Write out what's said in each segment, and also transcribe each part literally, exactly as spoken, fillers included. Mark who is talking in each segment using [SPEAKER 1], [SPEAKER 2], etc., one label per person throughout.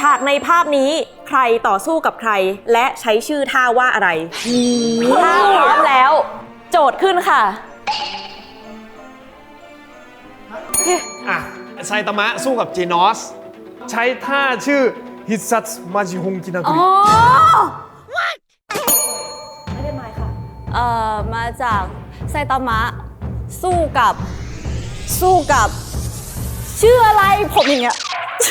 [SPEAKER 1] ฉากในภาพนี้ใครต่อสู้กับใครและใช้ชื่อท่าว่าอะไรถ้าพร้อมแล้ว โจทย์ขึ้นค่ะ
[SPEAKER 2] อ่ะไซตามะสู้กับจีนอสใช้ท่าชื่อฮิซัตมาจิฮงกินากุริ
[SPEAKER 1] ไม่ได้มาค่ะ
[SPEAKER 3] เอ่อมาจากไซตามะสู้กับสู้กับชื่ออะไรผมอย่างเงี้ย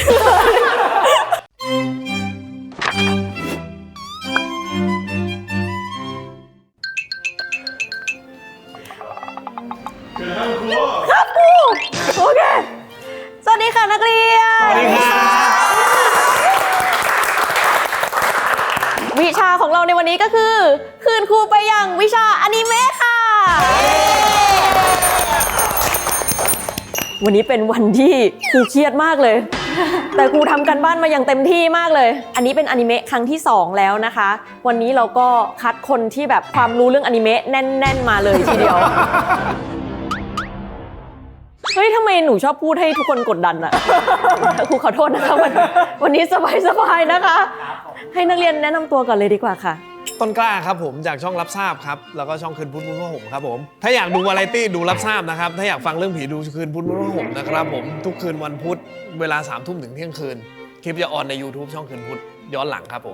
[SPEAKER 3] ครับครูโอเคสวัสดีค่ะนักเรียน
[SPEAKER 2] สวัสดีค่ะ
[SPEAKER 1] วิชาของเราในวันนี้ก็คือคืนครูไปยังวิชาอนิเมะค่ะวันนี้เป็นวันที่ครูเครียดมากเลยแต่ครูทำกันบ้านมาอย่างเต็มที่มากเลยอันนี้เป็นอนิเมะครั้งที่สองแล้วนะคะวันนี้เราก็คัดคนที่แบบความรู้เรื่องอนิเมะแน่นๆมาเลยทีเดียวเฮ้ยทำไมหนูชอบพูดให้ทุกคนกดดันอะครูขอโทษนะคะวันวันนี้สบายๆนะคะให้นักเรียนแนะนำตัวก่อนเลยดีกว่าค่ะ
[SPEAKER 2] ต้นกล้าครับผมจากช่องรับทราบครับแล้วก็ช่องคืนพุทธมุ้งผ้าห่มครับผมถ้าอยากดูวาไรตี้ดูรับทราบนะครับถ้าอยากฟังเรื่องผีดูคืนพุทธมุ้งผ้าห่มนะครับผมทุกคืนวันพุธเวลาสามทุ่มถึงเที่ยงคืนคลิปจะออนใน YouTube ช่องคืนพุทธย้อนหลังครับผม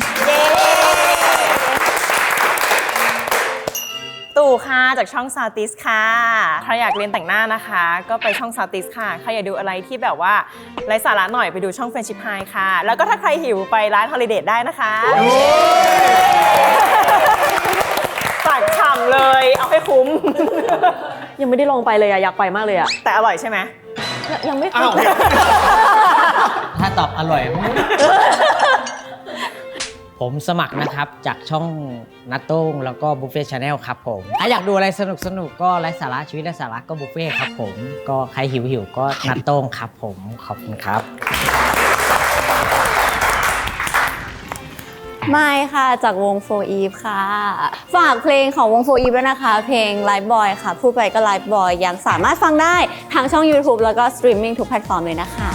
[SPEAKER 4] ตู่ค่ะจากช่องซาวติสค่ะใครอยากเรียนแต่งหน้านะคะก็ไปช่องซาวติสค่ะใครอยากดูอะไรที่แบบว่าไร้สาระหน่อยไปดูช่อง Friendship High ค่ะแล้วก็ถ้าใครหิวไปร้านฮอลิเดย์ได้นะคะตักฉ่ำเลยเอาให้คุ้ม
[SPEAKER 1] ยังไม่ได้ลองไปเลยอะอยากไปมากเลยอะ
[SPEAKER 4] แต่อร่อยใช่ไหม
[SPEAKER 1] ยังไม่เคย
[SPEAKER 5] ถ้าตอบอร่อยผมสมัครนะครับจากช่องนัตโต้งแล้วก็บุฟเฟ่ชาแนลครับผมถ้าอยากดูอะไรสนุกสนุกก็ไร้สาระชีวิตไร้สาระก็บุฟเฟ่ครับผมก็ใครหิวหิวก็นัตโต้งครับผมขอบคุณครับ
[SPEAKER 3] ไม่ค่ะจากวงโฟอีฟค่ะฝากเพลงของวงโฟอีฟด้วยนะคะเพลง Live Boy ค่ะพูดไปก็ Live Boy ยังสามารถฟังได้ทางช่อง YouTube แล้วก็สตรีมมิ่งทุกแพลตฟอร์มเลยนะคะ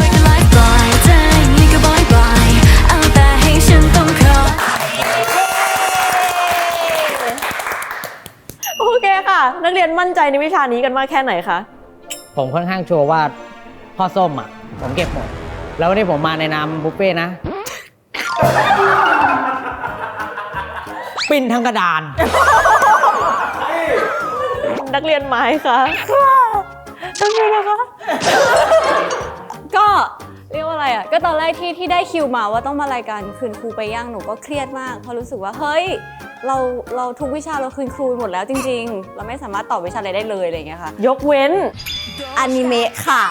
[SPEAKER 1] โอเคค่ะนักเรียนมั่นใจในวิชานี้กันมากแค่ไหนคะ
[SPEAKER 5] ผมค่อนข้างชัวร์ว่าพ่อส้มอ่ะผมเก็บหมดแล้ววันนี้ผมมาในนามบุฟเฟ่นะปิ้นทั้งกระดาน
[SPEAKER 1] นักเรียนไม้ค่ะนักเรียนนะคะ
[SPEAKER 3] ก็เรียกว่าอะไรอ่ะก็ตอนแรกที่ที่ได้คิวมาว่าต้องมารายการคืนครูไปย่างหนูก็เครียดมากเพราะรู้สึกว่าเฮ้ยเราเราทุกวิชาเราคืนครูหมดแล้วจริงๆเราไม่สามารถตอบวิชาอะไรได้เลยอะไรอย่างเงี้ยค่ะ
[SPEAKER 1] ยกเว้น
[SPEAKER 3] อนิเมะค่ะ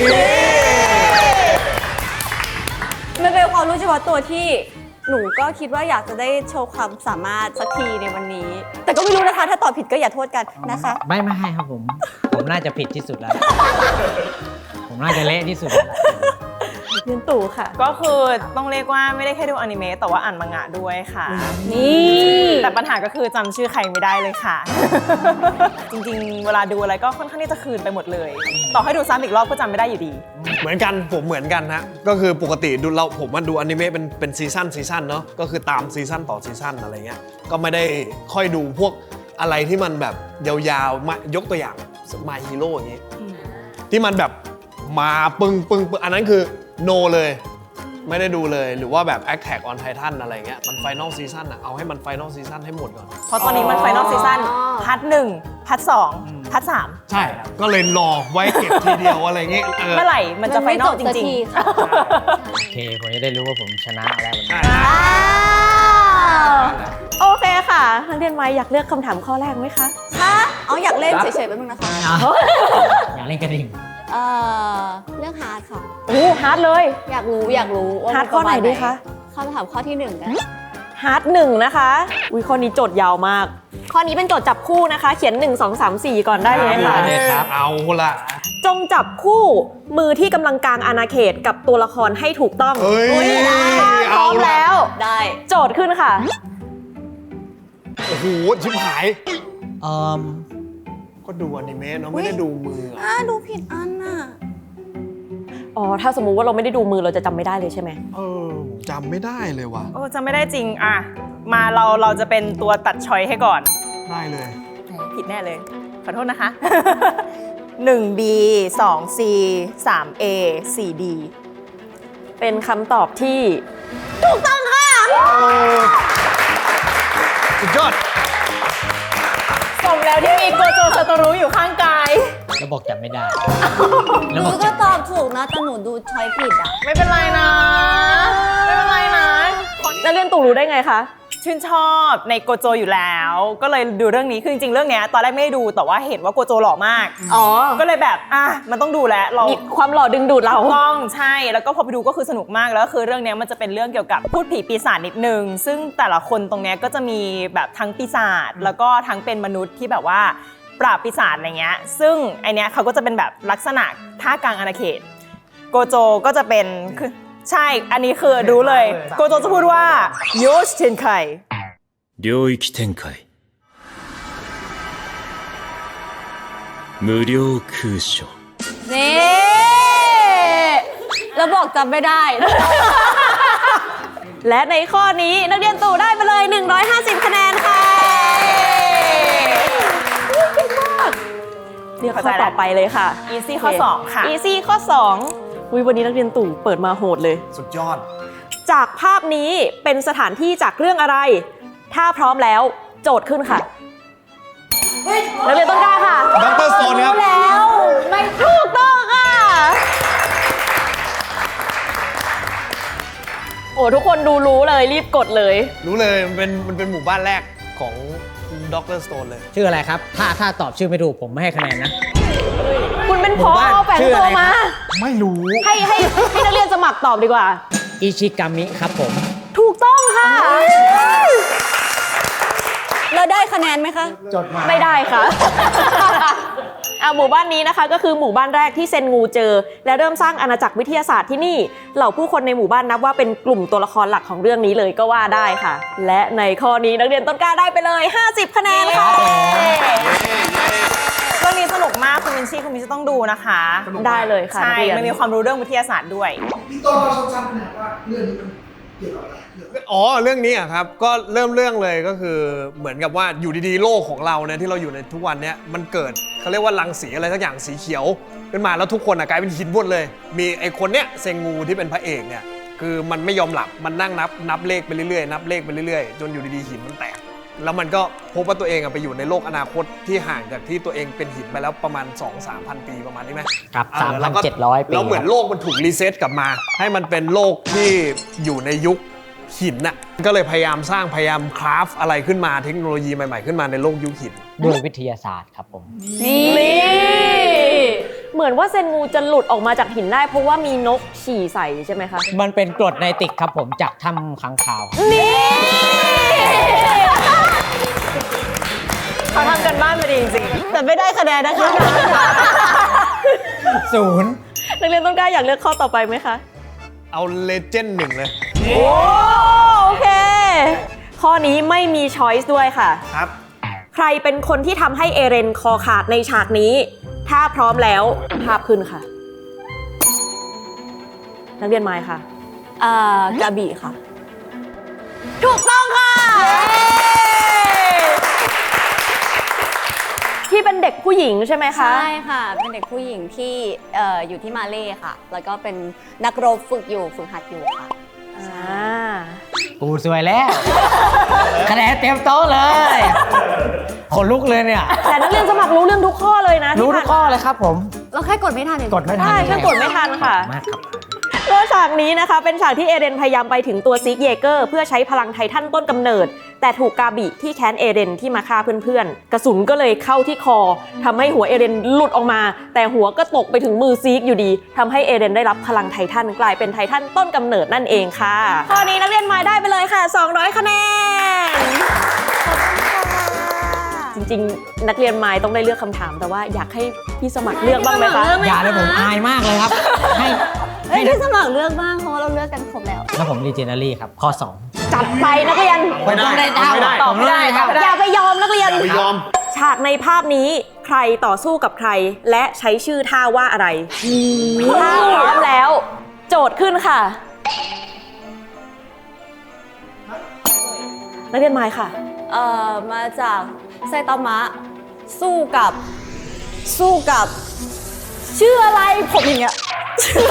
[SPEAKER 3] มันเป็นความรู้เฉพาะตัวที่หนูก็คิดว่าอยากจะได้โชว์ความสามารถสักทีในวันนี้แต่ก็ไม่รู้นะคะถ้าตอบผิดก็อย่าโทษกันนะคะ
[SPEAKER 5] ไม่ไม่ให้ครับผมผมน่าจะผิดที่สุดแล้วผมน่าจะเละที่สุด
[SPEAKER 1] เรียนตู่ค่ะ
[SPEAKER 4] ก็คือต้องเรียกว่าไม่ได้แค่ดูอนิเมะแต่ว่าอ่านมังงะด้วยค่ะ
[SPEAKER 3] นี่
[SPEAKER 4] แต่ปัญหาก็คือจำชื่อใครไม่ได้เลยค่ะจริงๆเวลาดูอะไรก็ค่อนข้างที่จะคืนไปหมดเลยต่อให้ดูซ้ำอีกรอบก็จำไม่ได้อยู่ดี
[SPEAKER 2] เหมือนกันผมเหมือนกันนะก็คือปกติดูเราผมมันดูอนิเมะเป็นเป็นซีซั่นซีซั่นเนาะก็คือตามซีซั่นต่อซีซั่นอะไรเงี้ยก็ไม่ได้ค่อยดูพวกอะไรที่มันแบบยาวๆมายกตัวอย่าง My Hero อย่างงี้ที่มันแบบมาปึ้งปึ้งปึ้งอันนั้นคือโนเลยไม่ได้ดูเลยหรือว่าแบบ Attack on Titan อะไรเงี้ยมัน Final Season อะเอาให้มัน Final Season ให้หมดก่อน
[SPEAKER 4] เพราะตอนนี้มัน Final Season พาร์ทหนึ่งพาร์ทสองพาร์ทสาม
[SPEAKER 2] ใช่ก็เลยรอไว้เก็บทีเดียวอะไรเงี้ย
[SPEAKER 4] เมื่อไหร่มันจะ Final จริง
[SPEAKER 5] ๆโอเคผมจะได้รู้ว่าผมชนะแล้ว
[SPEAKER 1] โอเคค่ะนักเรียนไม้อยากเลือกคำถามข้อแรกไหมคะ
[SPEAKER 3] คะเอาอยากเล่นเฉยๆแป๊บนึงนะคะ
[SPEAKER 5] อยากเล่นกระดิ่ง
[SPEAKER 3] เอ่อเรื่องฮาร์ดค่ะ
[SPEAKER 1] โอ้ฮาร์ดเลย
[SPEAKER 3] อยากรู้อยากรู้
[SPEAKER 1] ฮาร์ดข้อไหนดีคะ
[SPEAKER 3] คำถามข้อที่หนึ่งกัน
[SPEAKER 1] ฮาร์ดหนึ่งนะคะอุ้ยข้อนี้โจทย์ยาวมากข้อนี้เป็นโจทย์จับคู่นะคะเขียนหนึ่ง สอง สาม สี่ก่อนได้เลยค่ะ
[SPEAKER 2] ครับเอาละ
[SPEAKER 1] จงจับคู่มือที่กำลังกางอาณาเขตกับตัวละครให้ถูกต้อง
[SPEAKER 2] เฮ้ย
[SPEAKER 1] พร้อมแล้ว
[SPEAKER 3] ได้
[SPEAKER 1] โจทย์ขึ้นค่ะ
[SPEAKER 2] โอ้โหชิบหาย
[SPEAKER 5] เอ่อ
[SPEAKER 2] ก็ดูอนิเมะเนาะไม่ได้ดูมือ
[SPEAKER 3] อ่ะดูผิดอันน่ะ
[SPEAKER 1] อ๋อถ้าสมมุติว่าเราไม่ได้ดูมือเราจะจำไม่ได้เลยใช่ไหม
[SPEAKER 2] เออจำไม่ได้เลยว่ะ
[SPEAKER 4] โอ้จำไม่ได้จริงอ่ะมาเราเราจะเป็นตัวตัดช้อยให้ก่อน
[SPEAKER 2] ได้เลย
[SPEAKER 4] ผิดแน่เลย ขอโทษนะคะ หนึ่ง บี สอง ซี สาม เอ สี่ ดี
[SPEAKER 1] เป็นคำตอบที่
[SPEAKER 2] สุดยอด
[SPEAKER 4] สมแล้วที่มีโกโจซาโตรุอยู่ข้างกาย
[SPEAKER 5] แล้วบอกจำไม่ได้
[SPEAKER 3] ห
[SPEAKER 5] แล้ว
[SPEAKER 3] นู
[SPEAKER 5] บอก
[SPEAKER 3] ก็
[SPEAKER 5] จำ
[SPEAKER 3] ตอบถูกนะแต่หนูดูช้อยผิดอ่ะ
[SPEAKER 4] ไม่เป็นไรนะ ไม่เป็นไรนะ
[SPEAKER 1] นักเรียนตู่รู้ได้ไงคะ
[SPEAKER 4] ชื่นชอบในโกโจอยู่แล้ว ก็เลยดูเรื่องนี้ คือจริงๆ เรื่องเนี้ยตอนแรกไม่ได้ดู แต่ว่าเห็นว่าโกโจหล่อมาก
[SPEAKER 1] อ๋อ
[SPEAKER 4] ก็เลยแบบ อ่ะ มันต้องดูแล้วเรา
[SPEAKER 1] มีความหล่อดึงดูดเรา
[SPEAKER 4] ต้องใช่ แล้วก็พอไปดูก็คือสนุกมาก แล้วคือเรื่องเนี้ยมันจะเป็นเรื่องเกี่ยวกับพูดผีปีศาจนิดนึง ซึ่งแต่ละคนตรงเนี้ยก็จะมีแบบทั้งปีศาจ แล้วก็ทั้งเป็นมนุษย์ที่แบบว่าปราบปีศาจอะไรเงี้ย ซึ่งไอเนี้ยเขาก็จะเป็นแบบลักษณะท่ากลางอาณาเขต โกโจก็จะเป็นคือใช่ อันนี้คือรู้เลย โกโจจะพูดว่าโยชเทนไค
[SPEAKER 6] 領域展開無料空所
[SPEAKER 3] นี่แล้วบอกจำไม่ได้
[SPEAKER 1] และในข้อนี้นักเรียนตู่ได้ไปเลย หนึ่งร้อยห้าสิบ คะแนนค่ะเก่งมากเรียกข้อต่อไปเลยค่ะ
[SPEAKER 4] อีซี่ข้อสองค่ะ
[SPEAKER 1] อีซี่ข้อสองอุ๊ยวันนี้นักเรียนตู่เปิดมาโหดเลย
[SPEAKER 2] สุดยอด
[SPEAKER 1] จากภาพนี้เป็นสถานที่จากเรื่องอะไร ถ้าพร้อมแล้วโจทย์ขึ้นค่ะนักเรียนต้นกล้าค่ะ
[SPEAKER 2] ดร. Stone ครับ
[SPEAKER 1] แล้วไม่ถูกต้องค่ะ โอ้ทุกคนดูรู้เลยรีบกดเลย
[SPEAKER 2] รู้เลยมันเป็นมันเป็นหมู่บ้านแรกของดร. Stone เลย
[SPEAKER 5] ชื่ออะไรครับ ถ้าถ้าตอบชื่อไม่ถูกผมไม่ให้คะแนนนะ
[SPEAKER 1] คุณเป็น
[SPEAKER 5] ห
[SPEAKER 1] พ
[SPEAKER 5] มู่
[SPEAKER 1] อ
[SPEAKER 5] บ้าน
[SPEAKER 1] แฝง
[SPEAKER 5] ชื่อ
[SPEAKER 1] ตั
[SPEAKER 5] อะ
[SPEAKER 1] ว
[SPEAKER 5] ไร
[SPEAKER 1] มา
[SPEAKER 5] ครับ
[SPEAKER 2] ไม่รู้
[SPEAKER 1] ให้ให้ให้นักเรียนสมัครตอบดีกว่า
[SPEAKER 5] อิชิกามิครับผม
[SPEAKER 1] ถูกต้องค่ะ
[SPEAKER 3] แล้วได้คะแนนไหมคะ
[SPEAKER 5] จดมา
[SPEAKER 1] ไม่ได้ค่ะ อ่ะหมู่บ้านนี้นะคะก็คือหมู่บ้านแรกที่เซนงูเจอ และเริ่มสร้างอาณาจักรวิทยาศาสตร์ที่นี่เหล่าผู้คนในหมู่บ้านนับว่าเป็นกลุ่มตัวละครหลักของเรื่องนี้เลยก็ว่าได้ค่ะ และในข้อนี้นักเรียนต้นกล้าได้ไปเลย ห้าสิบ คะแนนค่ะ
[SPEAKER 4] เรื่องนี้สนุกมากคุณมินชี่คุณมินชี่ต้องดูนะคะ
[SPEAKER 1] ได้เลยค่ะ
[SPEAKER 4] ใช่
[SPEAKER 1] นักเรียน
[SPEAKER 4] มันมีความรู้เรื่องวิทยาศาสตร์ด้วย
[SPEAKER 7] พี่ต้นเราสั้นๆนะว่าเรื่องนี้มันเกี่ยวกับอะไรเรื่อง
[SPEAKER 2] อ๋อเรื่องนี้อะครับก็เริ่มเรื่องเลยก็คือเหมือนกับว่าอยู่ดีๆโลกของเราเนี่ยที่เราอยู่ในทุกวันเนี้ยมันเกิดเขาเรียกว่ารังสีอะไรสักอย่างสีเขียวขึ้นมาแล้วทุกคนอะกลายเป็นหินหมดเลย มีไอ้คนเนี้ยเซงงูที่เป็นพระเอกเนี่ยคือมันไม่ยอมหลับมันนั่งนับนับเลขไปเรื่อยๆนับเลขไปเรื่อยๆจนอยู่ดีๆหินมันแตกแล้วมันก็พบว่าตัวเองอะไปอยู่ในโลกอนาคตที่ห่างจากที่ตัวเองเป็นหินไปแล้วประมาณ สองถึงสามพัน ปีประมาณนี้ไหม
[SPEAKER 5] ครับ
[SPEAKER 2] เออแล้วก็
[SPEAKER 5] สามพันเจ็ดร้อย ปี
[SPEAKER 2] แล้วเหมือนโลกมันถูกรีเซ็ตกลับมา ให้มันเป็นโลกที่อยู่ในยุคหินน่ะก็เลยพยายามสร้างพยายามคราฟอะไรขึ้นมาเทคโนโลยีใหม่ๆขึ้นมาในโลกยุคหิน
[SPEAKER 5] ด้วยวิทยาศาสตร์ครับผม
[SPEAKER 3] นี่
[SPEAKER 1] เหมือนว่าเซนงูจะหลุดออกมาจากหินได้เพราะว่ามีนกฉี่ใส่ใช่ไหมคะ
[SPEAKER 5] มันเป็นกรดไนติกครับผมจากถ้ำค้างคาว
[SPEAKER 1] นี่
[SPEAKER 4] เขาทำกันบ้านมาดีจริงๆ แต่ไม่ได้คะแนนนะคะ
[SPEAKER 5] ศูนย์
[SPEAKER 1] นักเรียนต้นกล้าอยากเลือกข้อต่อไปไหมคะ
[SPEAKER 2] เอาเลเจนด์หนึ่งเลย
[SPEAKER 1] โอ้โอเค ข้อนี้ไม่มีช้อยส์ด้วยค่ะ
[SPEAKER 2] ครับ
[SPEAKER 1] ใครเป็นคนที่ทำให้เอเรนคอขาดในฉากนี้ ถ้าพร้อมแล้วภาพขึ้นค่ะ นักเรียนไม้ค่ะ
[SPEAKER 3] อ่ากระบี่ค่ะ
[SPEAKER 1] ถูกต้องค่ะ ที่เป็นเด็กผู้หญิงใช่ไหมคะ
[SPEAKER 3] ใช่ค่ะ เป็นเด็กผู้หญิงที่เอ่ออยู่ที่มาเล่ค่ะ แล้วก็เป็นนักรบฝึกอยู่ฝึกหัดอยู่ค่ะ
[SPEAKER 1] อ่า
[SPEAKER 5] กูสวยแล้ว คะแนนเต็มโต๊ะเลยขนลุกเลยเนี่ย
[SPEAKER 1] แต่นักเรียนสมัครรู้เรื่องทุกข้อเลยนะ
[SPEAKER 5] รู้
[SPEAKER 1] ที่
[SPEAKER 5] ทุกข้อเลยครับผม
[SPEAKER 3] เราแค่กดไม่ทันเอง
[SPEAKER 5] กดไม่ทัน
[SPEAKER 1] ใช่แค่กดไม่ทันค่ะ
[SPEAKER 5] มากครับ
[SPEAKER 1] แล้วฉากนี้นะคะเป็นฉากที่เอเรนพยายามไปถึงตัวซิกเยเกอร์เพื่อใช้พลังไททันต้นกำเนิด แต่ถูกกาบิที่แค้นเอเรนที่มาฆ่าเพื่อนๆ กระสุนก็เลยเข้าที่คอทำให้หัวเอเรนหลุดออกมา แต่หัวก็ตกไปถึงมือซิกอยู่ดีทำให้เอเรนได้รับพลังไททันกลายเป็นไททันต้นกำเนิดนั่นเองค่ะ ข้อนี้นักเรียนไม้ได้ไปเลยค่ะ สองร้อย คะแนน จริงๆ นักเรียนไม้ต้องได้เลือกคำถามแต่ว่าอยากให้พี่สมัครเลือกบ้างไหมคะ
[SPEAKER 5] อย่าเลยผมอายมากเลยครับ ให้
[SPEAKER 3] เอ้ยที่สมัครเลือกบ้างเพราะว่าเราเลือกกันครบแล้ว
[SPEAKER 5] แล้วผมรีเจนเนอรี่ครับ ข้อสอง
[SPEAKER 1] จัดไปนักเรียน
[SPEAKER 5] ผมต้องได้เท่า
[SPEAKER 2] ไม่ได้
[SPEAKER 5] ตอบไม่ได้ครับ
[SPEAKER 1] อย่าไปยอมนักเรียน
[SPEAKER 2] อย่าไปยอม
[SPEAKER 1] ฉากในภาพนี้ใครต่อสู้กับใครและใช้ชื่อท่าว่าอะไรถ้าพร้อมแล้ว โจทย์ขึ้นค่ะ นักเรียนไมค์ค่ะ
[SPEAKER 3] เอ่อมาจากไซตามะสู้กับสู้กับชื่ออะไรผมอย่างเงี้ยชื่อ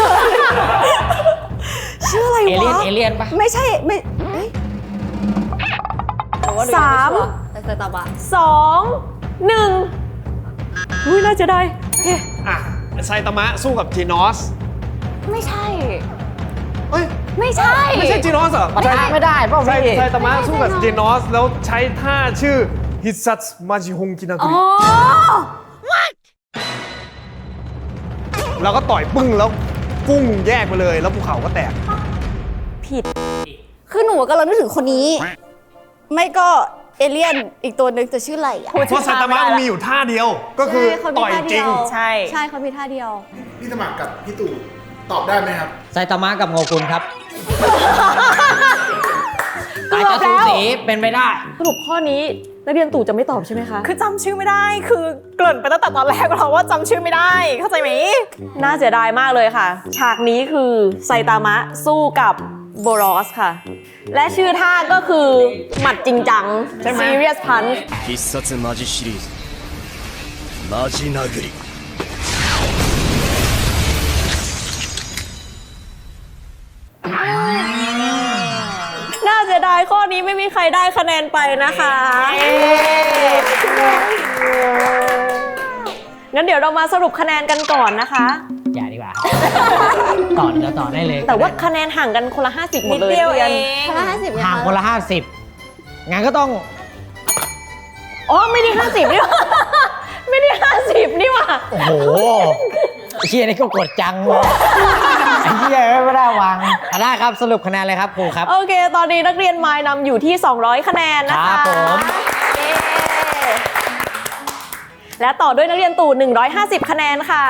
[SPEAKER 3] ชื่ออะไร
[SPEAKER 5] เอเลี่ยน
[SPEAKER 3] วะ
[SPEAKER 5] เอเลี่ยนปะ
[SPEAKER 3] ไม่ใช่ไม่เอ้ยแต่ว่าหนูยัง
[SPEAKER 1] สาม
[SPEAKER 3] ไชัวร์แต่ไซตามะ
[SPEAKER 1] สองหนึ่งอุ้ยน่าจะได้โอเค
[SPEAKER 2] อ่ะไซตามะสู้กับจีนอส
[SPEAKER 3] ไม่ใช่
[SPEAKER 2] เอ้ย
[SPEAKER 3] ไม่ใช่
[SPEAKER 2] ไม่ใช่จีนอสเหรอ
[SPEAKER 5] ไม่ได้ไม่ได้เปล่า
[SPEAKER 2] ไซ
[SPEAKER 5] พี่
[SPEAKER 2] ไซตามะสู้กับจีนอสแล้วใช้ท่าชื่อฮิซัตมาจิฮงกินากุ
[SPEAKER 3] อ๋
[SPEAKER 2] ริ
[SPEAKER 3] อ
[SPEAKER 2] แล้วก็ต่อยปึ้งแล้วกุ้งแยกไปเลยแล้วภูเขาก็แตก
[SPEAKER 1] ผิด
[SPEAKER 3] คือหนูกำลังนึกถึงคนนี้ ไม่ก็เอเลี่ยนอีกตัวหนึ่งจะชื่ออะไรอ่ะ
[SPEAKER 2] เพราะไซตามะมันมีอยู่ท่าเดียว ก็คือ
[SPEAKER 3] ใช่เขามี
[SPEAKER 2] ต่อย
[SPEAKER 3] ท่า
[SPEAKER 2] จ
[SPEAKER 3] เดี
[SPEAKER 2] ริ
[SPEAKER 3] ย
[SPEAKER 2] ง
[SPEAKER 3] ว
[SPEAKER 4] ใช่
[SPEAKER 3] ใช่เขามีท่าเดียว
[SPEAKER 7] พี่สมัครกับพี่ตู่ตอบได้ไหมครับ
[SPEAKER 5] ไซตามะกับโงกุนครับ
[SPEAKER 1] เกื
[SPEAKER 5] อาจ
[SPEAKER 1] อบ
[SPEAKER 5] จะสู
[SPEAKER 1] แล้ว
[SPEAKER 5] สีเป็นไปได้
[SPEAKER 1] สรุปข้อนี้นักเรียนตู่จะไม่ตอบใช่ไหมคะ
[SPEAKER 4] คือจำชื่อไม่ได้ คือเกริ่นไปตั้งแต่ตอนแรกแล้วว่าจำชื่อไม่ได้ เข้าใจไหม
[SPEAKER 1] น่าเสียดายมากเลยค่ะ ฉากนี้คือไซตามะสู้กับโบรอสค่ะ และชื่อท่าก็คือ หมัดจริงจัง serious punch
[SPEAKER 6] 必殺マジシリーズマジ殴り
[SPEAKER 1] น่าเสียดายข้อนี้ไม่มีใครได้คะแนนไปนะคะ งั้นเดี๋ยวเรามาสรุปคะแนนกันก่อนนะคะ
[SPEAKER 5] อย่าดีกว่า ต่อเดี๋ยวต่อได้เลย
[SPEAKER 1] แต่ว่าคะแนนห่างกันคนละห้าสิบหม
[SPEAKER 4] นิ
[SPEAKER 1] ด
[SPEAKER 4] ด
[SPEAKER 1] เลย
[SPEAKER 4] เดียว
[SPEAKER 1] นัก
[SPEAKER 4] เอ
[SPEAKER 1] เรียน
[SPEAKER 4] ง
[SPEAKER 3] คนละห้าสิบ
[SPEAKER 5] ห่างคนละห้าสิบงั้นก็ต้อง
[SPEAKER 1] อ๋อไม่ได้ห้าสิบนี่หว่า ไม่ได้ห้าสิบนี่หว่า
[SPEAKER 5] โอ้โหไอ้เชี่ยนี่ก็กดจังเลยไอ้เชี่ยไม่ได้วางอ่ะได้ครับสรุปคะแนนเลยครับครูครับ
[SPEAKER 1] โอเค ตอนนี้นักเรียนไมล์นำอยู่ที่ สองร้อย คะแนนนะ
[SPEAKER 5] ครั
[SPEAKER 1] คะ
[SPEAKER 5] บผม
[SPEAKER 1] เย้และต่อด้วยนักเรียนตู่ หนึ่งร้อยห้าสิบ คะแนนค่ะ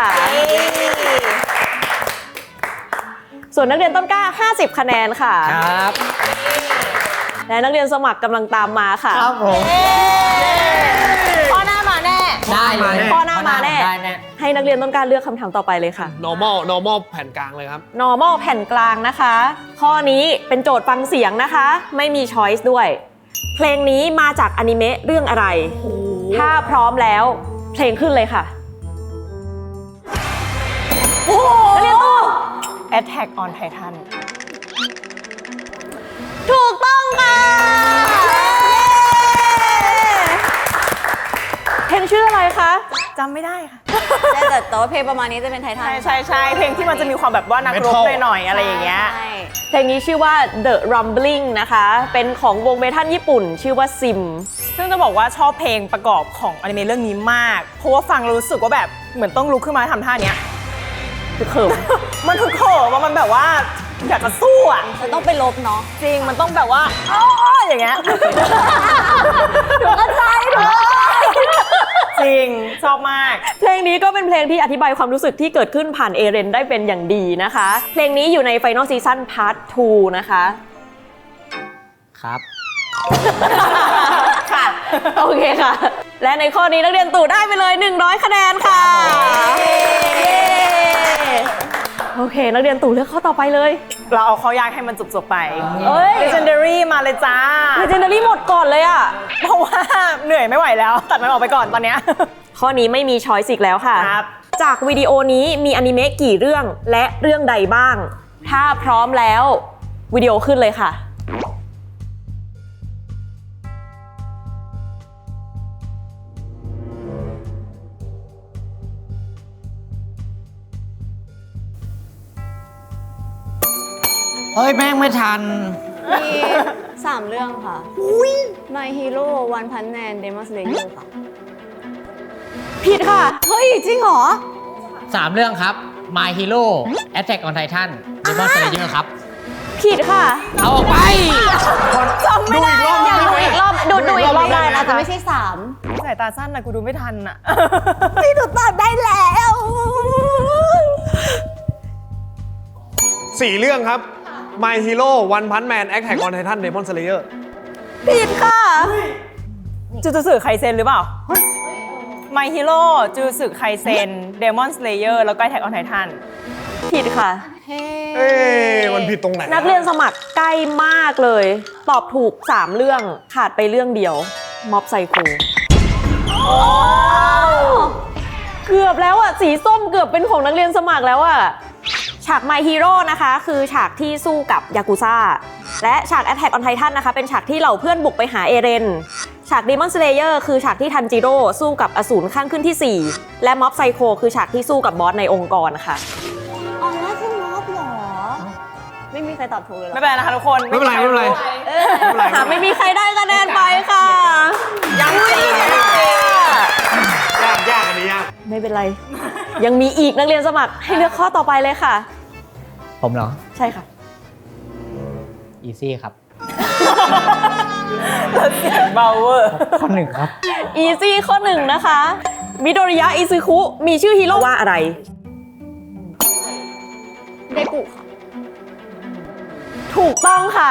[SPEAKER 1] ส่วนนักเรียนต้นกล้า ห้าสิบ คะแนนค่ะ
[SPEAKER 5] ครับ
[SPEAKER 1] และนักเรียนสมัครกำลังตามมาค่ะ
[SPEAKER 5] ครับผม
[SPEAKER 4] ข้อหน้ามาแน่
[SPEAKER 5] ได้เลย
[SPEAKER 1] ข้อหน้ามาแน่
[SPEAKER 5] ได้แน่
[SPEAKER 1] ให้นักเรียนต้นกล้าเลือกคำถามต่อไปเลยค่ะ
[SPEAKER 2] normal normal แผ่นกลางเลยครับ
[SPEAKER 1] normal แผ่นกลางนะคะ ข้อนี้เป็นโจทย์ฟังเสียงนะคะ ไม่มี choice ด้วย เพลงนี้มาจากอนิเมะเรื่องอะไร ถ้าพร้อมแล้วเพลงขึ้นเลยค่ะ
[SPEAKER 4] โอ้โห
[SPEAKER 1] นักเรียนตู่
[SPEAKER 4] Attack on Titan
[SPEAKER 1] ถูกต้องค่ะเพลงชื่ออะไรคะ
[SPEAKER 4] จำไม่ได้ค่ะ
[SPEAKER 3] แต่แต่แต่ว่าเพลงประมาณนี้จะเป็นไททัน
[SPEAKER 4] ใช่ใช่ใช่เพลงที่มันจะมีความแบบว่านักรบ
[SPEAKER 2] Metal
[SPEAKER 4] หน่อยๆอะไรอย่างเงี้ย
[SPEAKER 3] ใช่
[SPEAKER 1] เพลงนี้ชื่อว่า The Rumbling นะคะ เป็นของวงเมทัลญี่ปุ่น ชื่อว่า Sim
[SPEAKER 4] ซึ่งจะบอกว่าชอบเพลงประกอบของอนิเมะเรื่องนี้มาก เพราะว่าฟังแล้วรู้สึกว่าแบบเหมือนต้องลุกขึ้นมาทำท่าเนี้ย
[SPEAKER 1] คือเขิม
[SPEAKER 4] มันคือโขมมันแบบว่าอยากจะสู้อ่ะ
[SPEAKER 3] มันต้องไปลบเนาะ
[SPEAKER 4] จริงมันต้องแบบว่าอ้ออย่างเงี้ย
[SPEAKER 1] ถูกเข้าใจถูก
[SPEAKER 4] จริงชอบมาก
[SPEAKER 1] เพลงนี้ก็เป็นเพลงที่อธิบายความรู้สึกที่เกิดขึ้นผ่านเอเรนได้เป็นอย่างดีนะคะ เพลงนี้อยู่ใน Final Season Part ทู นะคะ
[SPEAKER 5] ครับ
[SPEAKER 4] ค่ะ
[SPEAKER 1] โอเคค่ะ และในข้อนี้นักเรียนตู่ได้ไปเลย หนึ่งร้อย คะแนนค่ะเย้โอเค นักเรียนตู่เลือกข้อต่อไปเลย
[SPEAKER 4] เราเอาข้อยากให้มันจบๆไป
[SPEAKER 1] เอ้ย
[SPEAKER 4] Legendary มาเลยจ้า
[SPEAKER 1] Legendary หมดก่อนเลยอ่ะ
[SPEAKER 4] เพราะว่าเหนื่อยไม่ไหวแล้ว ตัดมันออกไปก่อนตอนเนี้ย
[SPEAKER 1] ข้อนี้ไม่มีช้อยส์อีกแล้วค่ะ
[SPEAKER 4] ครับ
[SPEAKER 1] จากวิดีโอนี้มีอนิเมะกี่เรื่องและเรื่องใดบ้าง ถ้าพร้อมแล้ววิดีโอขึ้นเลยค่ะ
[SPEAKER 5] เฮ้ยแม่งไม่ทัน
[SPEAKER 3] มีสามเรื่องค่ะ My Hero One Punch Man Demon Slayer ค่ะ
[SPEAKER 1] ผิดค่ะ
[SPEAKER 3] เฮ้ย จริงเหรอ
[SPEAKER 5] สามเรื่องครับ My Hero Attack on Titan Demon Slayer ครับ
[SPEAKER 1] ผิดค่ะ
[SPEAKER 5] เอาออกไป
[SPEAKER 2] ดูอีกรอบนึงได้ไหม
[SPEAKER 1] อีกรอบดูดูอีกรอบได้
[SPEAKER 3] อา
[SPEAKER 1] นะ
[SPEAKER 3] จจะ
[SPEAKER 1] คะ
[SPEAKER 3] ไม่ใช่สาม
[SPEAKER 4] สายตาสั้นนะกูดูไม่ทันอ่ะ
[SPEAKER 3] พี่ถูกตอบได้แล้ว
[SPEAKER 2] สี่เรื่องครับ My Hero One Punch Man Attack on Titan Demon Slayer
[SPEAKER 1] ผิดค่ะ
[SPEAKER 4] จูจูสื่อไคเซนหรือเปล่า My Hero จูสึไคเซน Demon Slayer แล้วก็ Attack on Titan
[SPEAKER 1] ผิดค่ะ
[SPEAKER 2] เอ๊ะมันผิดตรงไหน
[SPEAKER 1] นักเรียนสมัครใกล้มากเลย ตอบถูก สาม เรื่องขาดไปเรื่องเดียวม็อบไซโคเกือบแล้วอ่ะ สีส้มเกือบเป็นของนักเรียนสมัครแล้วอ่ะ ฉาก My Hero นะคะ คือฉากที่สู้กับยากุซ่าและฉาก Attack on Titan นะคะเป็นฉากที่เหล่าเพื่อนบุกไปหาเอเรนฉาก Demon Slayer คือฉากที่ทันจิโร่สู้กับอสูรข้างขึ้นที่สี่และม็อบไซโคคือฉากที่สู้กับบอสในองค์กรค่ะ
[SPEAKER 3] อ๋อนั่นคือม็อบเหรอ ไม่มีใครตอบถูกเลยเหรอ
[SPEAKER 4] ไม่เป็นไรนะคะทุกคน
[SPEAKER 2] ไม่เป็นไรไม่เป็นไร
[SPEAKER 1] หาไม่มีใครได้คะแนนไปค่ะ
[SPEAKER 4] ยังจริง
[SPEAKER 2] ยากยากอันนี้ยาก
[SPEAKER 1] ไม่เป็นไร ยังมีอีกนักเรียนสมัครให้เลือกข้อต่อไปเลยค่ะ
[SPEAKER 5] ผมเหรอ
[SPEAKER 1] ใช่ค่ะ
[SPEAKER 5] อีซี่ครับ
[SPEAKER 4] เสียงเบาเวอร์
[SPEAKER 5] ข้อหนึ่งครับ
[SPEAKER 1] อีซี่ข้อหนึ่งนะคะมิโดริยะอิซึคุมีชื่อฮีโร่ว่าอะไร
[SPEAKER 3] เดกุค่ะ
[SPEAKER 1] ถูกต้องค่ะ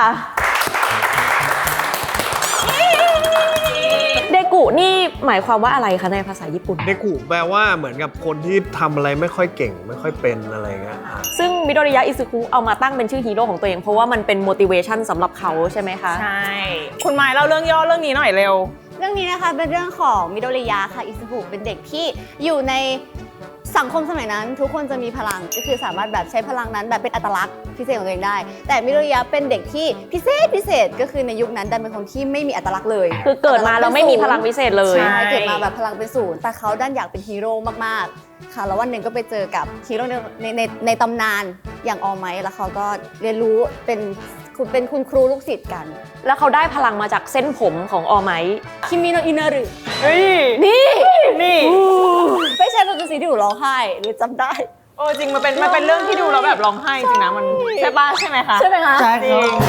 [SPEAKER 1] เดกุนี่หมายความว่าอะไรคะในภาษาญี่ปุ่น
[SPEAKER 2] เดกุแปลว่าเหมือนกับคนที่ทำอะไรไม่ค่อยเก่ง ไม่ค่อยเป็นอะไรเงี้ยอ่ะ
[SPEAKER 1] ซึ่งมิโดริยะอิซึคุเอามาตั้งเป็นชื่อฮีโร่ของตัวเองเพราะว่ามันเป็น motivation สำหรับเขาใช่ไหมคะ
[SPEAKER 4] ใช่ คุณไม้เล่าเรื่องย่อเรื่องนี้หน่อยเร็ว
[SPEAKER 3] เรื่องนี้นะคะเป็นเรื่องของมิโดริยะค่ะอิซุกุเป็นเด็กที่อยู่ในสังคมสมัยนั้น ทุกคนจะมีพลังก็คือสามารถแบบใช้พลังนั้นแบบเป็นอัตลักษณ์พิเศษของตัวเองได้ แต่มิโดริยะเป็นเด็กที่พิเศษพิเศษก็คือในยุคนั้นดันเป็นคนที่ไม่มีอัตลักษณ์เลย
[SPEAKER 1] คือเกิดมาแล้วไม่มีพลังพิเศษเลย
[SPEAKER 3] ใช่เกิดมาแบบพลังเป็นศูนย์แต่เขาดันอยากเป็นฮีโร่มากๆค่ะแล้ววันหนึ่งก็ไปเจอกับฮีโร่ในในในในตำนานอย่างออไมท์แล้วเขาก็เรียนรู้เป็นคุณเป็นคุณครูลูกศิษย์กัน
[SPEAKER 1] แล้วเขาได้พลังมาจากเส้นผมของออไมท์
[SPEAKER 3] คิมิโนอินารุ
[SPEAKER 4] เฮ้ย
[SPEAKER 3] นี่
[SPEAKER 4] นี่
[SPEAKER 3] ไม่ใช่เป็นสีที่หนูร้องไห้หรือจำได้
[SPEAKER 4] โอ้จริงมันเป็นมันเป็นเรื่องที่ดูแล้วแบบร้องไห้จริงนะมันใช่ป่ะใช่ไหมคะ
[SPEAKER 3] ใช่ไหมคะ
[SPEAKER 5] ใช่
[SPEAKER 4] จ
[SPEAKER 5] ค
[SPEAKER 4] ริ
[SPEAKER 5] รับ
[SPEAKER 4] ง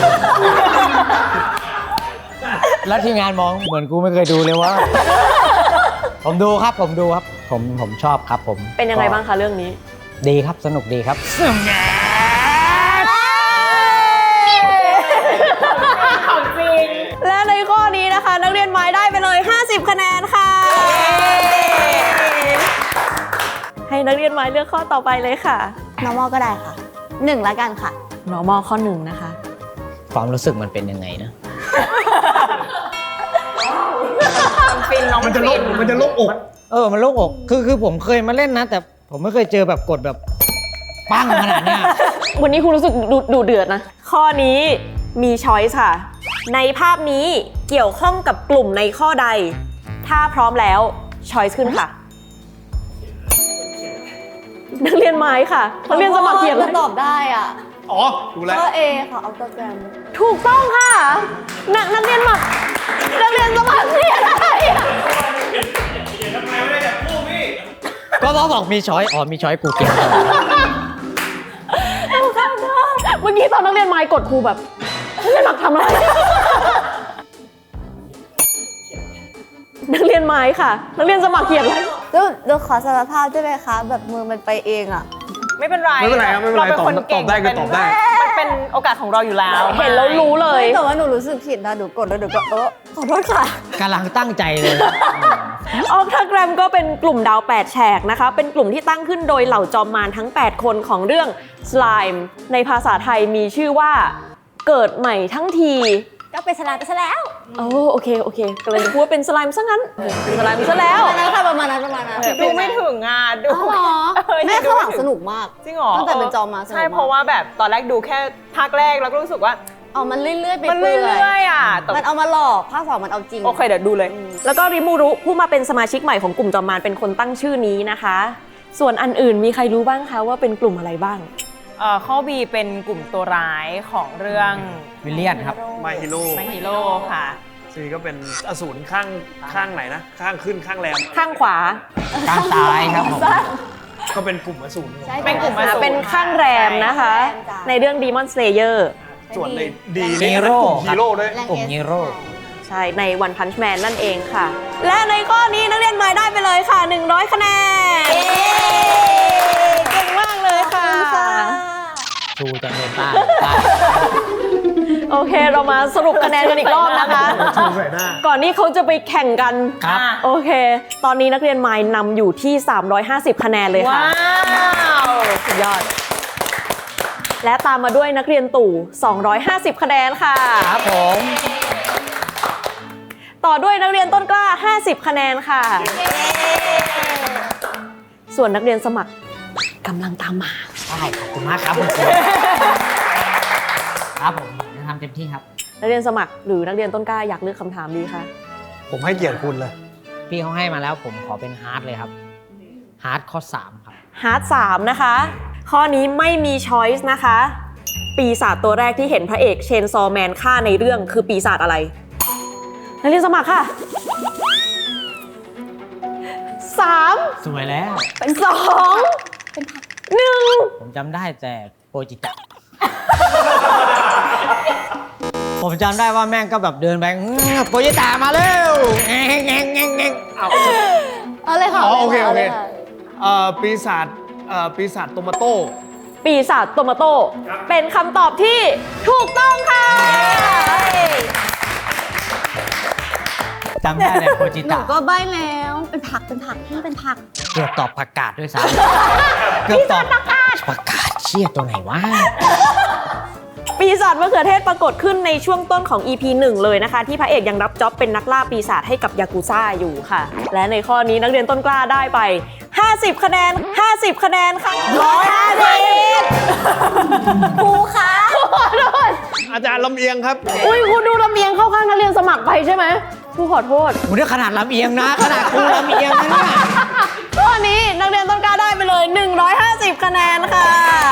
[SPEAKER 5] แล้วทีมงานมองเหมือนกูไม่เคยดูเลยว่า ผมดูครับผมดูครับ ผมผมชอบครับผม
[SPEAKER 1] เป็นยังไงบ้างคะเรื่องนี้
[SPEAKER 5] ดีครับสนุกดีครับ
[SPEAKER 4] ของจริง
[SPEAKER 1] และในข้อนี้นะคะ นักเรียนไม้ได้ไปเลย ห้าสิบ คะแนนค่ะ ให้นักเรียนไม้เลือกข้อต่อไปเลยค่ะ
[SPEAKER 3] normal ก็ได้ค่ะหนึ่งละกันค่ะ
[SPEAKER 1] normal ข้อหนึ่งนะคะ
[SPEAKER 5] ความรู้สึกมันเป็นยังไงนะ
[SPEAKER 4] มันฟินน้อง
[SPEAKER 2] มันจะโล
[SPEAKER 4] ฟิ
[SPEAKER 2] ก
[SPEAKER 4] น
[SPEAKER 2] มันจะโลกอก
[SPEAKER 5] เออมันโล่งอกคือคือผมเคยมาเล่นนะ แต่ผมไม่เคยเจอแบบกดแบบปั้งขนาดเนี้ย
[SPEAKER 1] วันนี้คุณรู้สึกดูดูเดือดนะ ข้อนี้มีช้อยส์ค่ะ ในภาพนี้เกี่ยวข้องกับกลุ่มในข้อใด ถ้าพร้อมแล้วช้อยส์ขึ้นค่ะ นักเรียนไม้ค่ะนักเรียนสมัครเขียนเลย
[SPEAKER 3] ตอบได้อ่ะ
[SPEAKER 2] อ๋อ ดูแล้ว
[SPEAKER 3] ก็เอค่ะออโตแกรม
[SPEAKER 1] ถูกต้องค่ะ นักนักเรียนมานักเรียนสมัครเขียนอะไรอะ
[SPEAKER 5] ก็บอกบอกมีช้อยอ๋อมีช้อยกูเก่ง
[SPEAKER 1] เมื่อกี้ตอนนักเรียนไม้กดครูแบบนักเรียนหลักทำอะไร นักเรียนไม้ค่ะ นักเรียนสมัครเขียนอะไร
[SPEAKER 3] แล้วเราขอสารภาพได้ไหมคะ แบบมือมันไปเองอ่ะ
[SPEAKER 4] ไม่เป็นไร
[SPEAKER 2] ไม่เป็นไรครับไม่เป็นไร
[SPEAKER 4] เราคนเก่ง
[SPEAKER 2] ตอบได้ก็ตอบได้
[SPEAKER 4] มันเป็นโอกาสของเราอยู่แล้ว
[SPEAKER 1] เห็นแล้วรู้เลย
[SPEAKER 3] แต่ว่าหนูรู้สึกผิดนะ หนูกดแล้วหนูก็เออขอโทษค่ะ
[SPEAKER 5] กำลังตั้งใจเลย
[SPEAKER 1] ออกทาแกรมก็เป็นกลุ่มดาวแปดแฉกนะคะ เป็นกลุ่มที่ตั้งขึ้นโดยเหล่าจอมมารทั้งแปดคนของเรื่อง Slime ในภาษาไทยมีชื่อว่าเกิดใหม่ทั้งที
[SPEAKER 3] ก็เป็นสลามไปซะแล้ว
[SPEAKER 1] โอ้โอเคโอเคกำลังจะพูดว่าเป็นสไลม์ซะงั้นเป็นสไลม์ซะแล้ว
[SPEAKER 3] ประมาณนั้นค่ะประมาณนั้นประมาณนั้น
[SPEAKER 4] ดูไม่ถึงอ่ะดู
[SPEAKER 3] อ๋อเหรอ
[SPEAKER 4] เออ
[SPEAKER 3] แม่
[SPEAKER 4] ดู
[SPEAKER 3] ข้างหลัง
[SPEAKER 4] ไม่ถึ
[SPEAKER 3] สนุกมาก
[SPEAKER 4] จริงเหรอ
[SPEAKER 3] ตั้งแต่เป็นจอมาสนุกมาก
[SPEAKER 4] ใช่เพราะว่าแบบตอนแรกดูแค่ภาคแรกแล้วก็รู้สึกว่า
[SPEAKER 3] เอามันเรื่อยๆไป
[SPEAKER 4] มัน
[SPEAKER 3] เรื่
[SPEAKER 4] เรื่
[SPEAKER 3] อย
[SPEAKER 4] อยๆอ่ะแต่
[SPEAKER 3] ๆมันเอามาหลอกภาคสองมันเอาจริง
[SPEAKER 4] โอเคเดี๋ยวดูเลย
[SPEAKER 1] แล้วก็ริมูรุผู้มาเป็นสมาชิกใหม่ของกลุ่มจอมมารเป็นคนตั้งชื่อนี้นะคะ ส่วนอันอื่นมีใครรู้บ้างคะว่าเป็นกลุ่มอะไรบ้าง
[SPEAKER 4] เอ่อข้อ B เป็นกลุ่มตัวร้ายของเรื่อง
[SPEAKER 5] วิลเลียนครับ
[SPEAKER 2] My Hero
[SPEAKER 4] ไมฮีโร่ค่ะ
[SPEAKER 2] ซีก็เป็นอสูรข้างข้างไหนนะ ข้างขึ้นข้างแรม
[SPEAKER 1] ข้างขวา
[SPEAKER 5] กลางซ้ายครับผม
[SPEAKER 2] ก็เป็นกลุ่มอสูร
[SPEAKER 3] ใช่
[SPEAKER 4] เป็นกลุ่มอสูร
[SPEAKER 1] เป็นข้างแรมนะคะ ในเรื่อง Demon Slayer
[SPEAKER 2] ส่วนในดี
[SPEAKER 5] ฮี
[SPEAKER 2] นี่เป็น
[SPEAKER 5] โร่
[SPEAKER 2] กลุ่มฮีโร่ด้วย
[SPEAKER 5] กลุ่มฮีโร่
[SPEAKER 1] ใช่ ใน One Punch Man นั่นเองค่ะ และในข้อนี้นักเรียนไม้ได้ไปเลยค่ะ หนึ่งร้อย คะแนนเก่งมากเลยค่ะ
[SPEAKER 5] ชูจังเลยป้าป้า
[SPEAKER 1] โอเคเรามาสรุปคะแนนกันอีกรอบนะคะ
[SPEAKER 2] ชูใส่หน้า
[SPEAKER 1] ก่อนที่เขาจะไปแข่งกัน
[SPEAKER 5] ครับ
[SPEAKER 1] โอเค ตอนนี้นักเรียนไมล์นำอยู่ที่ สามร้อยห้าสิบ คะแนนเลยค่ะ
[SPEAKER 4] ว้าวสุดยอด
[SPEAKER 1] และตามมาด้วยนักเรียนตู่ สองร้อยห้าสิบ คะแนนค่ะ
[SPEAKER 5] ครับผม
[SPEAKER 1] ต่อด้วยนักเรียนต้นกล้า ห้าสิบ คะแนนค่ะ ส่วนนักเรียนสมัครกำลังตามมา
[SPEAKER 5] ได้ขอบคุณมากครับคุณครูครับผมจะทำเต็มที่ครับ
[SPEAKER 1] นักเรียนสมัครหรือนักเรียนต้นกล้าอยากเลือกคำถามดีคะ
[SPEAKER 2] ผมให้เกียรติคุณเลย
[SPEAKER 5] พี่เขาให้มาแล้วผมขอเป็นฮาร์ดเลยครับฮาร์ดข้อสามครับ
[SPEAKER 1] ฮาร์ดสามนะคะ ข้อนี้ไม่มีช้อยส์นะคะ ปีศาจตัวแรกที่เห็นพระเอกเชนซอว์แมนฆ่าในเรื่องคือปีศาจอะไร นักเรียนสมัครค่ะสาม
[SPEAKER 5] สวยแล้ว
[SPEAKER 1] เป็นสองหนึ่ง
[SPEAKER 5] ผมจำได้แต่โปรจิตะ ผมจำได้ว่าแม่งก็แบบเดินไปอื้อโปรจิตะมาเร็วแงงแงงแงงแงงเอา
[SPEAKER 3] เอาเลยค่ะ
[SPEAKER 2] อ๋อโอเค
[SPEAKER 3] า
[SPEAKER 2] โอเค
[SPEAKER 3] ลยะ
[SPEAKER 2] เอ่อปีศาจเอ่อปีศาจโตมาโต้
[SPEAKER 1] ปีศาจโตมาโต้เป็นคำตอบที่ถูกต้องค่ะ
[SPEAKER 5] จำได้แต่โปรจิ
[SPEAKER 3] หนู
[SPEAKER 5] ตะ
[SPEAKER 3] ก็ใบ้แล้ว เป็นผัก เป็นผักพี่เป็นผัก
[SPEAKER 5] เกือบตอบประกาศด้วยซ้ำเกือบตอบประกาศประกาศเชี่ยตัวไหนวะ
[SPEAKER 1] ปีศาจมะเขือเทศปรากฏขึ้นในช่วงต้นของ อี พี หนึ่งเลยนะคะ ที่พระเอกยังรับจ็อบเป็นนักล่าปีศาจให้กับยากุซ่าอยู่ค่ะ และในข้อนี้นักเรียนต้นกล้าได้ไป ห้าสิบ คะแนน ห้าสิบ คะแนนค่ะร้อยห้าสิบครูคะขอโทษ
[SPEAKER 2] อาจารย์ลำเอียงครับ
[SPEAKER 1] อุ้ยคุณดูลำเอียงเข้าข้างนักเรียนสมัครไปใช่ไหมครูขอโทษ
[SPEAKER 5] โอ้ยขนาดลำเอียงนะ ขนาดกูลำเอียงนะเนี่ย
[SPEAKER 1] ข้อนี้นักเรียนต้นกล้าได้ไปเลย หนึ่งร้อยห้าสิบ คะแนนค่ะ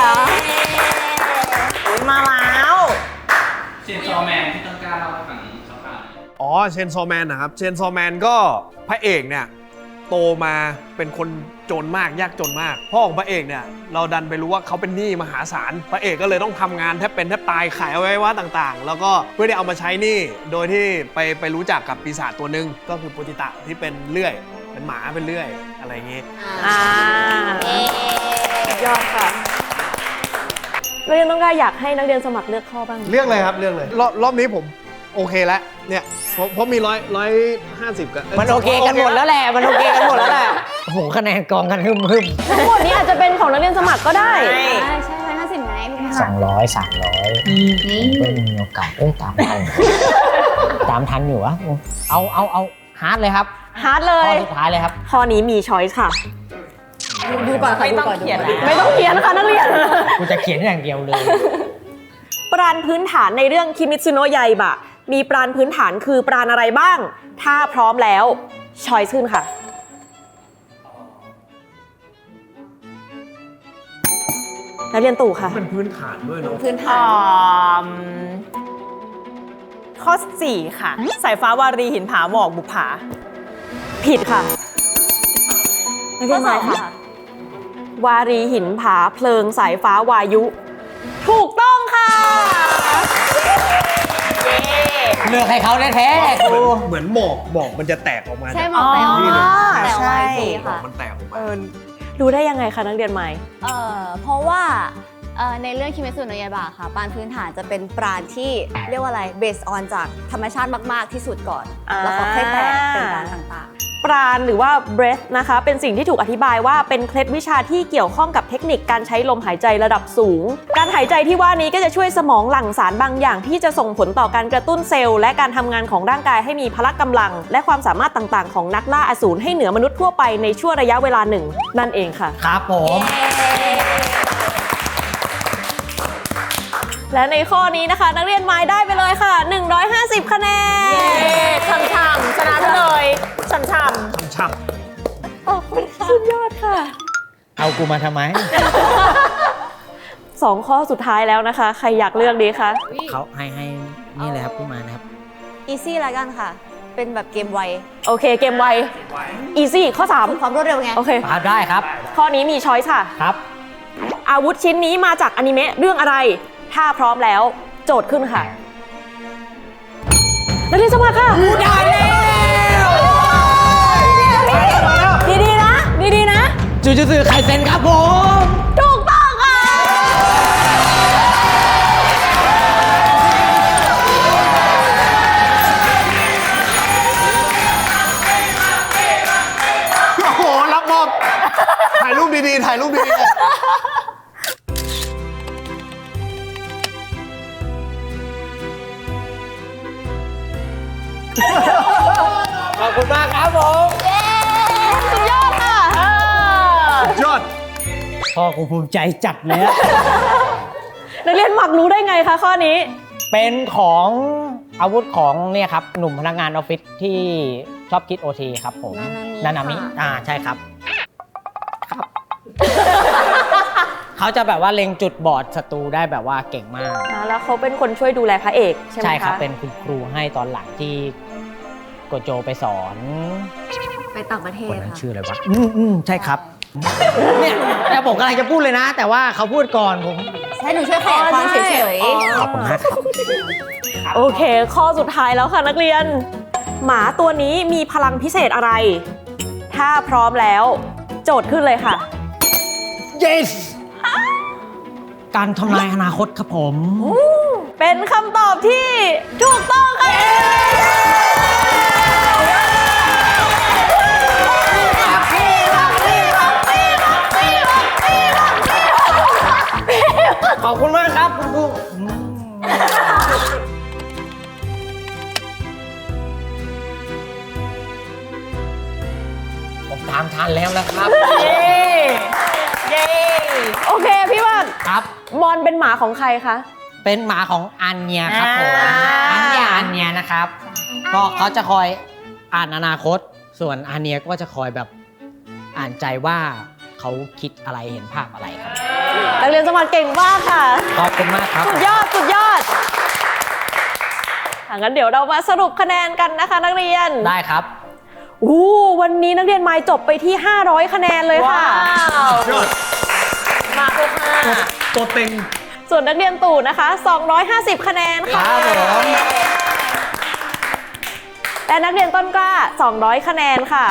[SPEAKER 4] มาแล้ว
[SPEAKER 8] เชนซอแมนที่ต้องกล้าเล่าให้ฟังคร่าวๆ
[SPEAKER 2] อ๋อเชนซอแมนนะครับเชนซอแมนก็พระเอกเนี่ยโตมาเป็นคนจนมากยากจนมากพ่อของพระเอกเนี่ยเราดันไปรู้ว่าเขาเป็นหนี้มหาศาลพระเอกก็เลยต้องทำงานแทบเป็นแทบตายขายอวัยวะต่างๆ แล้วก็เพื่อที่เอามาใช้หนี้โดยที่ไปไปรู้จักกับปีศาจตัวหนึ่งก็คือโปจิตะที่เป็นเลื่อยเป็นหมาเป็นเลื่อยอะไรอย่างงี้
[SPEAKER 1] อ่าสุดยอดค่ะนักเรียนต้นกล้าอยากให้นักเรียนสมัครเลือกข้อบ้าง
[SPEAKER 2] เลือกเลยครับเลือกเลยรอบรอบนี้ผมโอเคแล้วเนี่ยเพราะเพราะมีร้อยร้อยห้าสิบกัน
[SPEAKER 5] มันโอเคกันหมดแล้วแหละ มันโอเคกันหมดแล้วแหละ โอ้โหคะแนนกองกันฮึมฮึม
[SPEAKER 1] ทั้งหมดนี้อาจจะเป็นของนักเรียนสมัครก็ได้
[SPEAKER 3] ใช่ใช่ร้อยห้าสิบไงพี่
[SPEAKER 5] สองร้อยสามร้อยก็มีโอกาสเอ้ยตามทัน ตามทันอยู่วะเอาเอาเอาฮาร์ดเลยครับ
[SPEAKER 1] ฮาร์ดเล
[SPEAKER 5] ข้อย สุดท้ายเลยครับ
[SPEAKER 1] ข้อนี้มีช้อยส์ค่ะ
[SPEAKER 3] ดูก่อนค่ะ
[SPEAKER 4] ไม่
[SPEAKER 3] ดู
[SPEAKER 4] ต้อง
[SPEAKER 3] ก่อนดู
[SPEAKER 4] เขียน
[SPEAKER 3] ก่อน
[SPEAKER 4] แล้ว
[SPEAKER 1] ไม่ต้องเขียนค่ะนักเรียน
[SPEAKER 5] กูจะเขียนอย่างเดียวเลย
[SPEAKER 1] ปราณพื้นฐานในเรื่องคิมิตซุโนะไยบะมีปราณพื้นฐานคือปราณอะไรบ้าง ถ้าพร้อมแล้วช้อยส์ขึ้นค่ะ นักเรียนตู่ค่ะ
[SPEAKER 2] เป็นพื้นฐานด้วยเนาะ
[SPEAKER 3] พื้นฐา
[SPEAKER 4] อ่
[SPEAKER 3] น
[SPEAKER 4] อข้อสี่ค่ะ สายฟ้าวารีหินผาหมอกบุปผา
[SPEAKER 1] ผิดค่ะนักเรี
[SPEAKER 3] ข้อย
[SPEAKER 1] น
[SPEAKER 3] ส
[SPEAKER 1] มา
[SPEAKER 3] อง
[SPEAKER 1] ค่ะ
[SPEAKER 3] ค่ะ
[SPEAKER 1] วารีหินผาเพลิงสายฟ้าวายุ ถูกต้องค่ะ
[SPEAKER 5] เลือกให้เขาแท้ๆกู
[SPEAKER 2] เหมือนหมอกหมอกมันจะแตกออกมา
[SPEAKER 3] ใช่
[SPEAKER 2] จาก
[SPEAKER 3] หมอกแต่
[SPEAKER 4] อ๋อ
[SPEAKER 3] ว่าแต่
[SPEAKER 4] ใช่
[SPEAKER 3] ว่าสี
[SPEAKER 2] หมอ
[SPEAKER 3] ค่ะ
[SPEAKER 2] กมันแตกออกมา
[SPEAKER 1] รู้ได้ยังไงคะนักเรียนใหม่
[SPEAKER 3] เอ่อเพราะว่าเอ่อในเรื่องคิเมซุโนะยาบะค่ะปราณพื้นฐานจะเป็นปราณที่เรียกว่าอะไรเบสออนจากธรรมชาติมาก ๆ ที่สุดก่อน
[SPEAKER 1] อ่า
[SPEAKER 3] แล้วก็ค่อยแตกเป็นปราณต่าง
[SPEAKER 1] ปราณหรือว่า breath นะคะ เป็นสิ่งที่ถูกอธิบายว่าเป็นเคล็ดวิชาที่เกี่ยวข้องกับเทคนิคการใช้ลมหายใจระดับสูง การหายใจที่ว่านี้ก็จะช่วยสมองหลั่งสารบางอย่างที่จะส่งผลต่อการกระตุ้นเซลล์และการทำงานของร่างกายให้มีพละกำลัง และความสามารถต่างๆของนักล่าอสูรให้เหนือมนุษย์ทั่วไปในช่วงระยะเวลาหนึ่งนั่นเองค่ะ
[SPEAKER 5] ครับผม
[SPEAKER 1] และในข้อนี้นะคะ นักเรียนไม้ได้ไปเลยค่ะ หนึ่งร้อยห้าสิบ คะแนน
[SPEAKER 4] เย้ช่ำๆชนะไปเลยช่ำ
[SPEAKER 2] ช่ำ
[SPEAKER 1] สุดยอดค่ะ
[SPEAKER 5] เอากูมาทำไม
[SPEAKER 1] สองข้อสุดท้ายแล้วนะคะ ใครอยากเลือกดีคะ
[SPEAKER 5] เขาให้ให้นี่เลยครับพี่มานะครับ
[SPEAKER 3] ๆ อีซี่ละกันค่ะ เป็นแบบเกมไว
[SPEAKER 1] โอเคเกมไว easy ข้อสาม
[SPEAKER 3] ฝึกความรวดเร็วไง
[SPEAKER 1] โอเค
[SPEAKER 5] ครับได้ครับ
[SPEAKER 1] ข้อนี้มีช้อยส์ค่ะ
[SPEAKER 5] ครับ
[SPEAKER 1] อาวุธชิ้นนี้มาจากอนิเมะเรื่องอะไร ถ้าพร้อมแล้วโจทย์ขึ้นค่ะ นักเรียนสมัครค่ะได้แล้วดีๆนะ ดีๆนะ
[SPEAKER 5] จูจูซือไคเซ็นครับผม
[SPEAKER 1] ถูกต้องค่ะ
[SPEAKER 2] ถ่ายรูปดีๆเลยขอบคุณมากครับผม
[SPEAKER 1] สุดยอดค่ะ
[SPEAKER 2] ยอด
[SPEAKER 5] พ่อกูภูมิใจจัดเลยอะ
[SPEAKER 1] นักเรียนหมักรู้ได้ไงคะข้อนี้
[SPEAKER 5] เป็นของอาวุธของเนี่ยครับหนุ่มพนักงานออฟฟิศที่ชอบคิด โอ ที ครับผม
[SPEAKER 3] นานามิ
[SPEAKER 5] นานามิ
[SPEAKER 3] ค่ะ
[SPEAKER 5] อ่าใช่ครับ ครับ เขาจะแบบว่าเล็งจุดบอดศัตรูได้แบบว่าเก่งมาก
[SPEAKER 1] อ่าแล้วเขาเป็นคนช่วยดูแลพระเอกใช่ไหมคะ
[SPEAKER 5] ใช่ครับ เป็นคุณครูให้ตอนหลังที่โกโจไปสอน
[SPEAKER 3] ไปต่างประเท
[SPEAKER 5] ค
[SPEAKER 3] ศ
[SPEAKER 5] นนั้น
[SPEAKER 3] ค่ะ
[SPEAKER 5] ชื่ออะไรวะ อืมอืมใช่ครับ เนี่ยแต่ผมกำลังจะพูดเลยนะ แต่ว่าเขาพูดก่อนผม
[SPEAKER 3] ให้หนูช่วยขยายความเฉย
[SPEAKER 1] อ๋อ
[SPEAKER 5] ขอบคุณมากครับ
[SPEAKER 1] โอเค ข้อสุดท้ายแล้วค่ะนักเรียน หมาตัวนี้มีพลังพิเศษอะไร ถ้าพร้อมแล้ว โจทย์ขึ้นเลยค่ะ
[SPEAKER 5] yes การทำนายอนาคตครับผม
[SPEAKER 1] เป็นคำตอบที่ถูกต้องค่ะ
[SPEAKER 5] ขอบคุณมากครับคุณครูผมตามทันแล้วนะครับ
[SPEAKER 4] เย้ เย้
[SPEAKER 1] โอเคพี่ว่า
[SPEAKER 5] ครับ
[SPEAKER 1] มอนเป็นหมาของใครคะ
[SPEAKER 5] เป็นหมาของอันเนียครับผม
[SPEAKER 4] อ่า
[SPEAKER 5] อันเนียอันเนียนะครับ ก็เขาจะคอยอ่านอนาคต ส่วนอันเนียก็จะคอยแบบอ่านใจว่าเขาคิดอะไรเห็นภาพอะไรครับ
[SPEAKER 1] นักเรียนสมัครเก่งมากค่ะ
[SPEAKER 5] ขอบคุณมากครับ
[SPEAKER 1] สุดยอด สุดยอดอ่ะงั้นเดี๋ยวเรามาสรุปคะแนนกันนะคะนักเรียน
[SPEAKER 5] ได้ครับ
[SPEAKER 1] อู้วันนี้นักเรียนไมล์จบไปที่ ห้าร้อย คะแนนเลยค่ะ
[SPEAKER 4] ว้าว
[SPEAKER 2] ยอด
[SPEAKER 4] มาครบห้า
[SPEAKER 2] ตัวเต็ง
[SPEAKER 1] ส่วนนักเรียนตู่นะคะ สองร้อยห้าสิบ คะแนนค่ะ
[SPEAKER 5] ครับผม
[SPEAKER 1] และนักเรียนต้นกล้า สองร้อย คะแนนค่ะ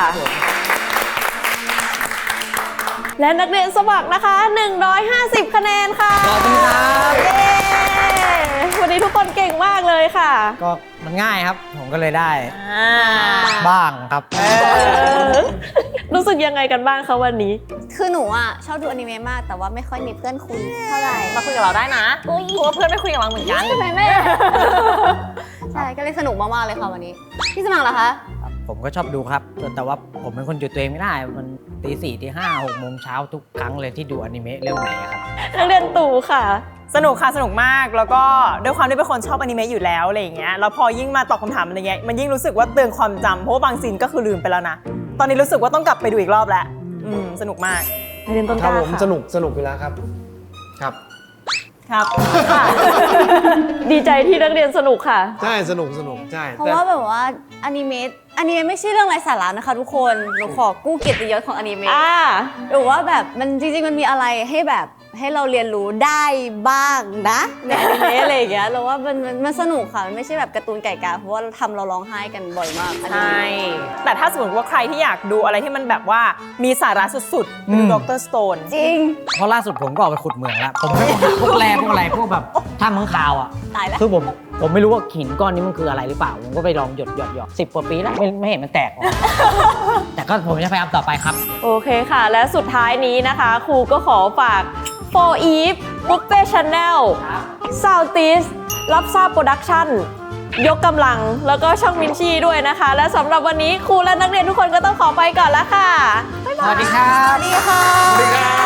[SPEAKER 1] และนักเรียนสมัครนะคะ หนึ่งร้อยห้าสิบ คะแนนค่ะ
[SPEAKER 5] ขอบคุณครับ
[SPEAKER 1] เย้วันนี้ทุกคนเก่งมากเลยค่ะ
[SPEAKER 5] ก็มันง่ายครับ ผมก็เลยได้
[SPEAKER 4] อ่า
[SPEAKER 5] บ้างครับ
[SPEAKER 1] รู้สึกยังไงกันบ้างคะวันนี้
[SPEAKER 3] คือหนูอ่ะชอบดูอนิเมะมากแต่ว่าไม่ค่อยมีเพื่อนคุยเท่าไหร่
[SPEAKER 4] มาคุยกับเราได้นะเพราะว่าเพื่อนไม่คุยกับเราเหมือนกัน
[SPEAKER 3] ใช่ไหมแม่ ใช่ก็เลยสนุกมากๆเลยค่ะวันนี้ พี่สมัครเหรอคะ
[SPEAKER 5] ผมก็ชอบดูครับ แต่ว่าผมเป็นคนหยุดตัวเองไม่ได้ มันตีสี่ตีห้าหกโมงเช้าทุกครั้งเลยที่ดูอนิเมะเรื่องไหนอะครับ
[SPEAKER 1] นักเรียนตู่ค่ะ
[SPEAKER 4] สนุกค่ะ สนุกมาก แล้วก็ด้วยความที่เป็นคนชอบอนิเมะอยู่แล้วอะไรอย่างเงี้ย แล้วพอยิ่งมาตอบคำถามอะไรเงี้ย มันยิ่งรู้สึกว่าเตือนความจำเพราะว่าบางซีนก็คือลืมไปแล้วนะ ตอนนี้รู้สึกว่าต้องกลับไปดูอีกรอบแล้ว อืม สนุกมาก
[SPEAKER 1] นักเรียนต้น
[SPEAKER 2] ค
[SPEAKER 1] ก
[SPEAKER 2] รับ
[SPEAKER 1] ล้า
[SPEAKER 2] ผม
[SPEAKER 1] ค่ะ
[SPEAKER 2] สนุกสนุกอยู่แล้วครับ ครับ
[SPEAKER 4] ครับ
[SPEAKER 1] ดีใจที่นักเรียนสนุกค่ะ
[SPEAKER 2] ใช่สนุกสนุกใช่
[SPEAKER 3] เพราะ
[SPEAKER 2] แต่
[SPEAKER 3] ว่าแบบว่าอนิเมะอนิเมะไม่ใช่เรื่องไร้สาระนะคะทุกคนหนูขอกู้เกียรติยศของอนิเมะ
[SPEAKER 1] อ่า
[SPEAKER 3] หรือว่าแบบมันจริงๆมันมีอะไรให้แบบให้เราเรียนรู้ได้บ้างนะในอนิเมะอะไรอย่างเงี้ยเราว่ามันมันมันสนุกค่ะมันไม่ใช่แบบการ์ตูนไก่กาเพราะว่าเราทำเราร้องไห้กันบ่อยมากอนิ
[SPEAKER 4] ใช่
[SPEAKER 3] เมะ
[SPEAKER 4] แต่ถ้าสมมติว่าใครที่อยากดูอะไรที่มันแบบว่ามีสาระสุดๆ
[SPEAKER 5] อื
[SPEAKER 4] ดู
[SPEAKER 5] ม
[SPEAKER 4] ด็อกเตอร์สโตน
[SPEAKER 3] จริง
[SPEAKER 5] เพราะล่าสุดผมก็ออกไปขุดเหมืองแล้ว ผมไม่หาพวกแร่พวกอะไรพวกแบบถ้ามังคาวอ่ะ
[SPEAKER 3] ตายแล้ว
[SPEAKER 5] คือผมผมไม่รู้ว่าหินก้อนนี้มันคืออะไรหรือเปล่า ผมก็ไปลองหยดหยดหยดสิบกว่าปีแล้วไม่ไม่เห็นมันแตกออก แต่ก็ผมจะพยายามต่อไปครับ
[SPEAKER 1] โอเคค่ะ และสุดท้ายนี้นะคะ ครูก็ขอฝาก โฟร์ Eve Buffet Channel Southeast รับทราบโปรดักชั่น ยกกำลังแล้วก็ช่องมินชี่ด้วยนะคะ และสำหรับวันนี้ครูและนักเรียนทุกคนก็ต้องขอไปก่อนแล้วค่ะ
[SPEAKER 5] สวัสดีครับ
[SPEAKER 3] สวัสดีค่ะ
[SPEAKER 2] สวัสดีครับ